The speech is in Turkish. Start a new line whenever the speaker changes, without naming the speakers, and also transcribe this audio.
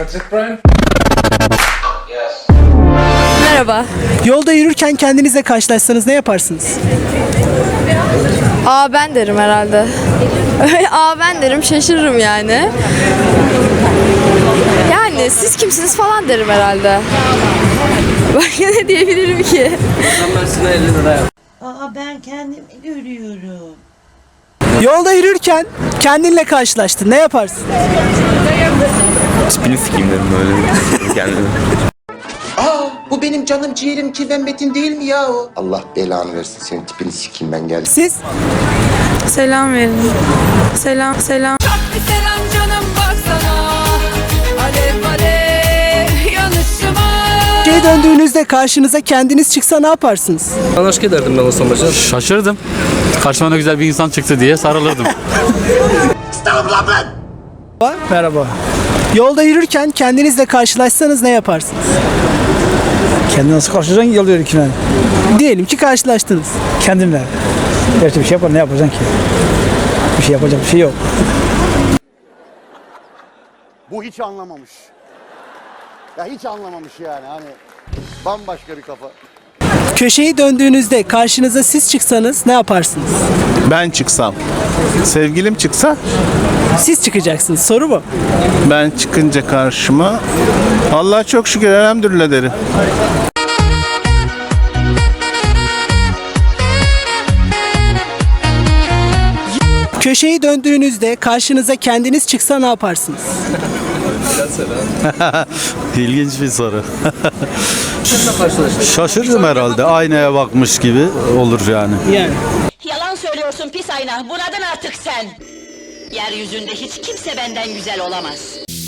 That's it, Brian?
Merhaba.
Yolda yürürken kendinizle karşılaşsanız ne yaparsınız?
Aa ben derim herhalde. Aa ben derim, şaşırırım yani. Yani siz kimsiniz falan derim herhalde. Başka ne diyebilirim ki?
Aa ben kendimi görüyorum.
Yolda yürürken kendinle karşılaştın. Ne yaparsın?
Tipini sikeyim dedim böyle kendime.
Aa, bu benim canım ciğerim Kirven Metin değil mi ya o? Allah belanı versin, senin tipini sikeyim ben geldim.
Siz?
Selam verin. Selam.
Selam canım baksana. Alev alev yanışıma.
Geri döndüğünüzde karşınıza kendiniz çıksa ne yaparsınız?
Ben aşk ederdim ben olsam başa. Şaşırdım. Karşıma ne güzel bir insan çıktı diye sarılırdım.
Merhaba. Yolda yürürken kendinizle karşılaşsanız ne yaparsınız?
Kendini nasıl karşılayacaksın ki yolda yürürken?
Diyelim ki karşılaştınız.
Kendinle. Gerçi bir şey yapar, ne yapacaksın ki? Bir şey yapacak bir şey yok.
Bu hiç anlamamış. Ya hiç anlamamış yani, hani bambaşka bir kafa.
Köşeyi döndüğünüzde karşınıza siz çıksanız ne yaparsınız?
Ben çıksam, sevgilim çıksa,
Siz çıkacaksınız. Soru bu.
ben çıkınca karşıma Allah'a çok şükür elhamdülillah derim.
Köşeyi döndüğünüzde karşınıza kendiniz çıksa ne yaparsınız?
İlginç bir soru. Şaşırdım herhalde. Aynaya bakmış gibi olur yani.
Yani.
Yalan söylüyorsun pis ayna. Bunadın artık sen. Yeryüzünde hiç kimse benden güzel olamaz.